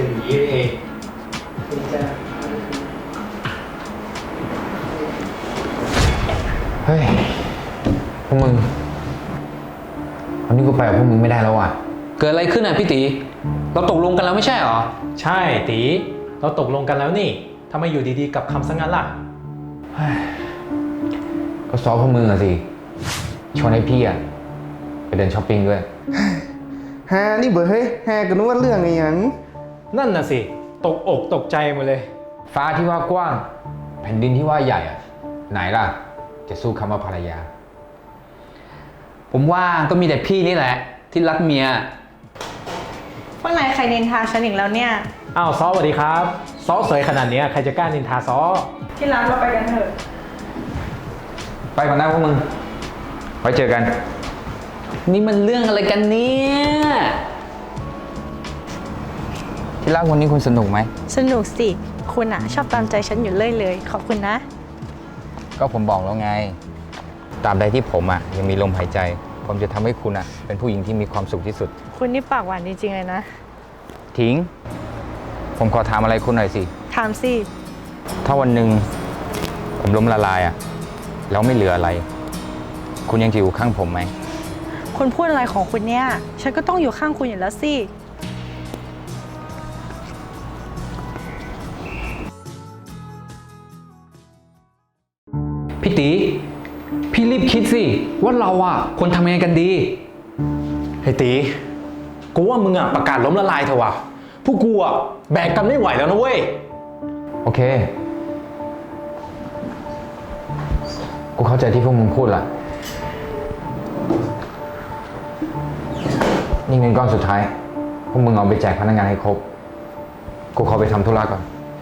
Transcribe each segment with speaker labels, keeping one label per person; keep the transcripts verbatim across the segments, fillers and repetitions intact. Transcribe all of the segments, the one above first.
Speaker 1: เป็นอย่างนี้เองเฮ้ยพวกมึงวันนี้กูไปกับพวกมึงไม่ได้แล้วอ่ะ
Speaker 2: เกิดอะไรขึ้นอ่ะพี่ตีเราตกลงกันแล้วไม่ใช่หรอ
Speaker 3: ใช่ตีเราตกลงกันแล้วนี่ทำไมอยู่ดีๆกับคำซะงั้นล่ะ
Speaker 1: ก็ซ้อพวกมึงอะสิชวนให้พี่อะไปเดินช้อปปิ้งด้วย
Speaker 4: ฮานี่เบอร์เฮ้ยฮาก็นึกว่าเรื่องไงยัง
Speaker 3: นั่นน่ะสิตกอกตกใจหมดเลย
Speaker 1: ฟ้าที่ว่ากว้างแผ่นดินที่ว่าใหญ่อะไหนล่ะจะสู้คำว่าภรรยา
Speaker 2: ผมว่าก็มีแต่พี่นี่แหละที่รักเมีย
Speaker 5: เมื่อไหร่ใครนินทาฉันอีกแล้วเนี่ย
Speaker 3: อ้าวซอสวัสดีครับซอสสวยขนาดนี้ใครจะกล้านินทาซอ
Speaker 5: ที่ร้านเราไปกันเถอะ
Speaker 1: ไปก่อนนะพวกมึงไว้เจอกัน
Speaker 2: นี่มันเรื่องอะไรกันเนี่ย
Speaker 1: ที่รักวันนี้คุณสนุกไหม
Speaker 5: สนุกสิคุณอะชอบตามใจฉันอยู่เรื่อยเลยขอบคุณนะ
Speaker 1: ก็ผมบอกแล้วไงตราบใดที่ผมอะยังมีลมหายใจผมจะทำให้คุณอะเป็นผู้หญิงที่มีความสุขที่สุด
Speaker 5: คุณนี่ปากหวานจริงๆเลยนะ
Speaker 1: ทิ้งผมขอถามอะไรคุณหน่อยสิ
Speaker 5: ถามสิ
Speaker 1: ถ้าวันหนึ่งผมล้มละลายอะแล้วไม่เหลืออะไรคุณยังจะอยู่ข้างผมไหม
Speaker 5: คุณพูดอะไรของคุณเนี่ยฉันก็ต้องอยู่ข้างคุณอยู่แล้วสิ
Speaker 2: พี่ตีพี่รีบคิดสิว่าเราอ่ะควรทำยังไงกันดี
Speaker 3: เฮ้ยตีกูว่ามึงอ่ะประกาศล้มละลายเถอะวะพวกกูอ่ะแบกกันไม่ไหวแล้วนะเว้ย
Speaker 1: โอเคกูเข้าใจที่พวกมึงพูดละนี่เงินก้อนสุดท้ายพวกมึงเอาไปแจกพนักงานให้ครบกูขอไปทำธุระก่อน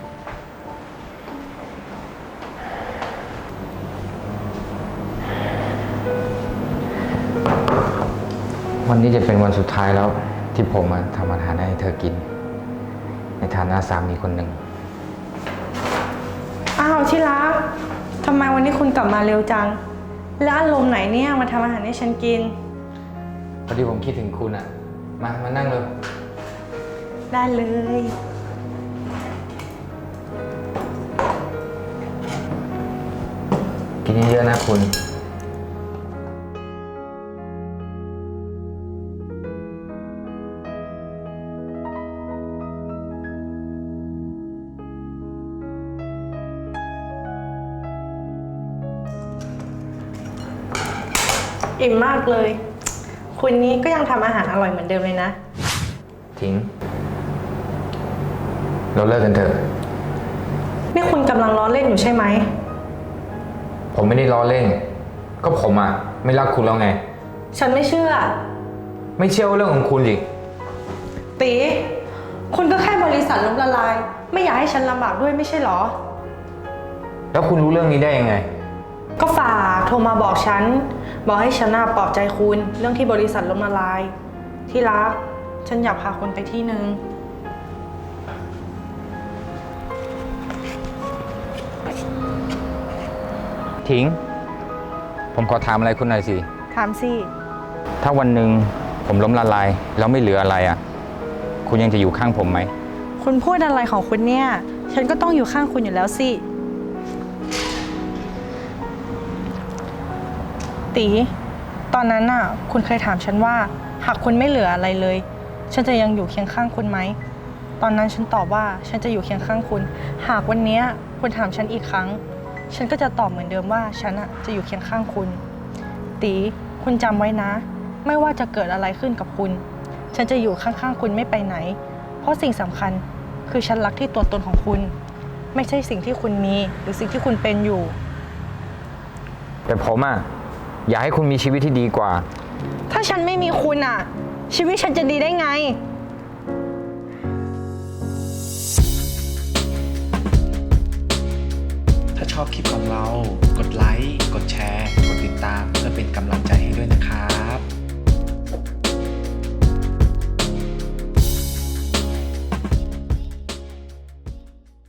Speaker 1: วันนี้จะเป็นวันสุดท้ายแล้วที่ผมมาทำอาหารให้เธอกินในฐานะสามีคนหนึ่ง
Speaker 5: อ้าวที่รักทำไมวันนี้คุณกลับมาเร็วจังแล้วอารมณ์ไหนเนี่ยมาทำอาหารให้ฉันกิน
Speaker 1: พอดีผมคิดถึงคุณอ่ะมามานั่งเลย
Speaker 5: ได้เลย
Speaker 1: กินเยอะๆนะคุณ
Speaker 5: อิ่มมากเลยคุณนี้ก็ยังทำอาหารอร่อยเหมือนเดิมเลยนะ
Speaker 1: ทิ้งเราเลิกกันเถอะ
Speaker 5: นี่คุณกำลังล้อเล่นอยู่ใช่ไหม
Speaker 1: ผมไม่ได้ล้อเล่นก็ผมอ่ะไม่รักคุณแล้วไง
Speaker 5: ฉันไม่เชื่อ
Speaker 1: ไม่เชื่อว่าเรื่องของคุณสิ
Speaker 5: ตีคุณก็แค่บริษัทล้มละลายไม่อยากให้ฉันลำบากด้วยไม่ใช่หรอ
Speaker 1: แล้วคุณรู้เรื่องนี้ได้ยังไง
Speaker 5: ก็ฝากโทรมาบอกฉันบอกให้ฉันน่ะปลอบใจคุณเรื่องที่บริษัทล้มละลายที่รักฉันอยากพาคุณไปที่นึง
Speaker 1: ทิ้งผมขอถามอะไรคุณหน่อยสิ
Speaker 5: ถามสิ
Speaker 1: ถ้าวันหนึ่งผมล้มละลายแล้วไม่เหลืออะไรอ่ะคุณยังจะอยู่ข้างผมไหม
Speaker 5: คุณพูดอะไรของคุณเนี่ยฉันก็ต้องอยู่ข้างคุณอยู่แล้วสิตีตอนนั้นน่ะคุณเคยถามฉันว่าหากคุณไม่เหลืออะไรเลยฉันจะยังอยู่เคียงข้างคุณไหมตอนนั้นฉันตอบว่าฉันจะอยู่เคียงข้างคุณหากวันนี้คุณถามฉันอีกครั้งฉันก็จะตอบเหมือนเดิมว่าฉันอ่ะจะอยู่เคียงข้างคุณตีคุณจำไว้นะไม่ว่าจะเกิดอะไรขึ้นกับคุณฉันจะอยู่ข้างๆคุณไม่ไปไหนเพราะสิ่งสำคัญคือฉันรักที่ตัวตนของคุณไม่ใช่สิ่งที่คุณมีหรือสิ่งที่คุณเป็นอยู่
Speaker 1: แต่ผมอ่ะอยากให้คุณมีชีวิตที่ดีกว่า
Speaker 5: ถ้าฉันไม่มีคุณอ่ะชีวิตฉันจะดีได้ไง
Speaker 3: ถ้าชอบคลิปของเรากดไลค์กดแชร์กดติดตามเพื่อเป็นกำลังใจให้ด้วยนะครับ